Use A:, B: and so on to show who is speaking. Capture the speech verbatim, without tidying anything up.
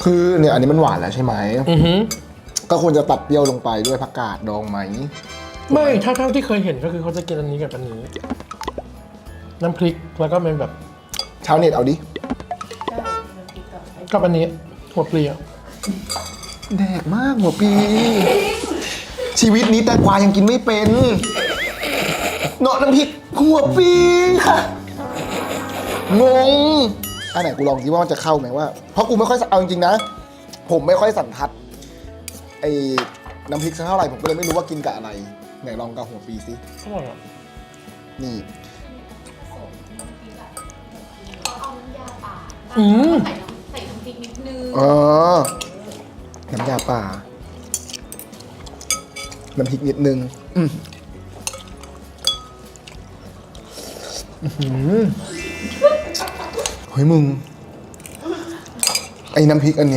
A: คือเนี่ยอันนี้มันหวานแล้วใช่ไหม
B: อือฮึ
A: ก็ควรจะตัดเปรี้ยวลงไปด้วยผักกาดดองไหม
B: ไม่ถ้าเท่าที่เคยเห็นก็คือเขาจะกินอันนี้กับอันนี้น้ำพริกแล้วก็เป็นแบบ
A: ชาวเน็ตเอาดิ
B: กับอันนี้หัวปลีอะ
A: แดกมากหัวปี ชีวิตนี้แตงกวายังกินไม่เป็นเนาะน้ำพริกหัวปีค่ะงงอันไหนกูลองสิว่ามันจะเข้าไหมว่าเพราะกูไม่ค่อยเอาจริงๆนะผมไม่ค่อยสันทัดไอ้น้ำพริกสักเท่าไหร่ผมก็เลยไม่รู้ว่ากินกับอะไรไหนลองกับหัวปีสิ
B: อร่อยอ่ะ
A: นี่
C: เอาน้ำยาป่า
B: อืม
C: ใส่น้ำใส่น้ำพริกนิดนึง
A: เออน้ำยาป่าน้ำพริกนิดนึงอืมอื้อหือเฮ้ยมึง ไอ้น้ำพริกอันเนี้ย